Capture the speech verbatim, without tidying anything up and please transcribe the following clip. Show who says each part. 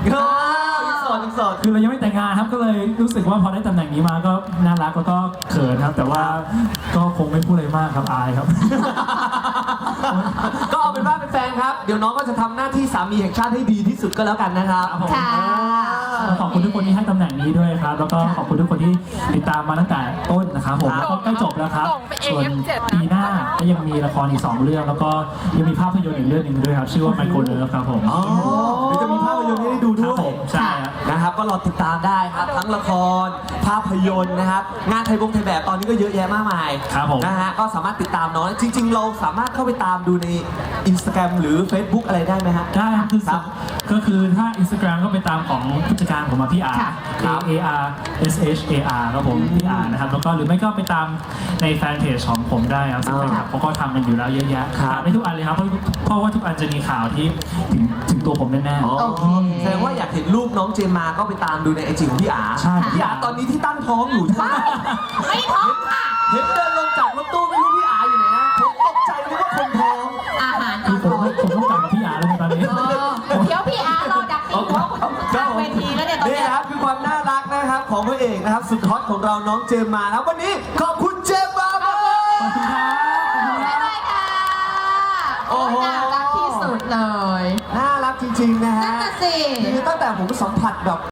Speaker 1: ยังโสดยังโสด
Speaker 2: คือเรายังไม่แต่งงานครับก็เลยรู้สึกว่าพอได้ตำแหน่งนี้มาก็น่ารักแล้วก็เขินครับแต่ว่าก็คงไม่พูดอะไรมากครับอายครับ
Speaker 1: ก็เอาเป็นว่าเป็นแฟนครับเดี๋ยวน้องก็จะทำหน้าที่สามีแห่งชาติให้ดีที่สุดก็แล้วกันนะครับ
Speaker 3: ค่ะ
Speaker 2: ขอบคุณทุกคนที่ให้ตำแหน่งนี้ด้วยครับแล้วก็ขอบคุณทุกคนที่ติดตามมาตั้งแต่ต้นนะครับผมแล้วก็ใกล้จบแล้วครับส่วนปีหน้าก็ยังมีละครอีกสองเรื่องแล้วก็ยังมีภาพยนตร์อีกเรื่องหนึ่งด้วยครับชื่อว่าไมโครเลิฟครับผม
Speaker 1: อ๋อเดี๋ยวจะมีภาพยนตร์ให้ได้ดู
Speaker 2: ค
Speaker 1: ด้
Speaker 2: รับ
Speaker 1: วย
Speaker 2: ผมใช่ครับ
Speaker 1: นะครับก็รอติดตามได้ครับทั้งละครภาพยนตร์นะครับงานไทยบงไทยแบบตอนนี้ก็เยอะแยะมากมาย
Speaker 2: ครับผม
Speaker 1: นะฮะก็สามารถติดตามน้องจริง ๆ เราสามารถเข้าไปตามดูใน Instagram หรือ Facebook อะไรได้ไหมฮะ
Speaker 2: ได้ครับคือ
Speaker 1: ครับ
Speaker 2: ก็คือถ้า Instagram ก็ไปตามของผู้จัดการผมมาพี่อาร์
Speaker 3: ค่ะ
Speaker 2: A A R S H A R ครับผมพี่อาร์นะครับแล้วก็หรือไม่ก็ไปตามในแฟนเพจของผมได้ครับซึ่งแฟนคลับเขาก็ทำกันอยู่แล้วเยอะแยะ
Speaker 1: ครับ
Speaker 2: ตามได้ทุกอันเลยครับเพราะเพราะว่าทุกอันจะมีข่าวที่ถึงถึงตัวผมแน่
Speaker 1: อ๋อ
Speaker 3: โอเค
Speaker 1: แสดงว่าอยากเห็นรูปน้องเจมมาก็ไปตามดูในไอจีของพี่อา
Speaker 2: ๆใช่
Speaker 1: พี่อาตอนนี้ที่ตั้งท้องอยู่ใช่ไหม
Speaker 3: ไม่ท้องค่ะ
Speaker 1: เห็นเดินลงจากรถตู้ไม่รู้พี่อาอยู่ไหนนะผมตกใจนึกว่าคนท้อง
Speaker 3: อาหาร
Speaker 2: คือ
Speaker 3: อ
Speaker 2: ผม
Speaker 3: ร่อย
Speaker 2: ผมต้องกลับมาพี่อาร์แล้วในตอนนี้
Speaker 3: เออเดี๋ยวพี่อาร์รอดักตีหัวคุณข้างเวทีแล้วเนี่ยตอน
Speaker 1: นี่
Speaker 3: เนี้ย
Speaker 1: ครับคือความน่ารักนะครับของพระเอกนะครับสุดฮอตของเราน้องเจมมาครับวันนี้ขอบคุณเจมมามา
Speaker 2: ขอบคุณครับขอบคุณครับ
Speaker 3: บ๊ายบายค่ะ โอ้น่ารักที่สุดเลย
Speaker 1: น่ารักจริงๆนะ
Speaker 3: นั่
Speaker 1: ฮะ
Speaker 3: นน่ะสิ
Speaker 1: คือตั้งแต่ผมสัมผัสแบบ